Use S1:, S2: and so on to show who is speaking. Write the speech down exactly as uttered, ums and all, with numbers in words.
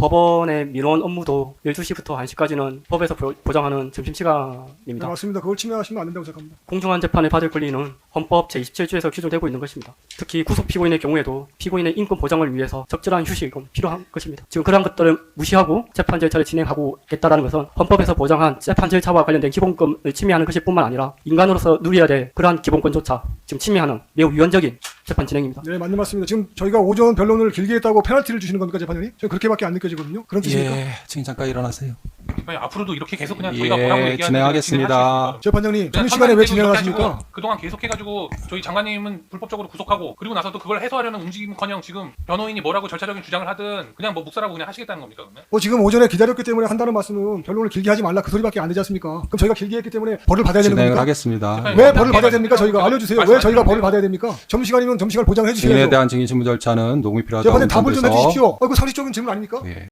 S1: 법원의 민원 업무도 열두 시부터 한 시까지는 법에서 보- 보장하는 점심시간입니다.
S2: 네, 맞습니다. 그걸 침해하시면 안 된다고 생각합니다.
S1: 공정한 재판을 받을 권리는 헌법 제이십칠 조에서 규정되고 있는 것입니다. 특히 구속 피고인의 경우에도 피고인의 인권 보장을 위해서 적절한 휴식은 필요한 것입니다. 지금 그러한 것들을 무시하고 재판 절차를 진행하고 있다는 것은 헌법에서 보장한 재판 절차와 관련된 기본권을 침해하는 것일 뿐만 아니라 인간으로서 누려야 될 그러한 기본권조차 지금 침해하는 매우 위헌적인 재판 진행입니다.
S2: 네, 맞는 말씀입니다. 지금 저희가 오전 변론을 길게 했다고 페널티를 주시는 겁니까, 재판장님? 저는 그렇게밖에 안 느껴지거든요. 그런 뜻입니까?
S3: 예, 지금 잠깐 일어나세요.
S4: 아니, 앞으로도 이렇게 계속 그냥
S3: 예,
S4: 저희가 뭐라고 얘기하는
S3: 진행하겠습니다.
S2: 재판장님,
S4: 그냥
S2: 점심시간에 왜
S4: 상관없이
S2: 진행을
S4: 이렇게
S2: 하십니까?
S4: 하시고 그동안 계속해가지고 저희 장관님은 불법적으로 구속하고 그리고 나서도 그걸 해소하려는 움직임커녕 지금 변호인이 뭐라고 절차적인 주장을 하든 그냥 뭐 묵살하고 그냥 하시겠다는 겁니까 그러면?
S2: 뭐 지금 오전에 기다렸기 때문에 한다는 말씀은 변론을 길게 하지 말라 그 소리밖에 안 되지 않습니까? 그럼 저희가 길게 했기 때문에 벌을 받아야 되는
S3: 진행을
S2: 겁니까?
S3: 하겠습니다.
S4: 네.
S2: 왜 벌을 받아야 됩니까? 저희가 알려주세요. 왜
S4: 말씀하세요.
S2: 저희가 벌을 받아야 됩니까? 점심시간이면 점심시간을 보장해
S3: 증인에
S2: 주셔야죠.
S3: 대한 증인 신문 절차는 녹음이 필요하다고
S2: 재판장님 답을 좀
S3: 판단돼서
S2: 해주십시오. 어, 그 상식적인 질문 아닙니까?
S3: 예.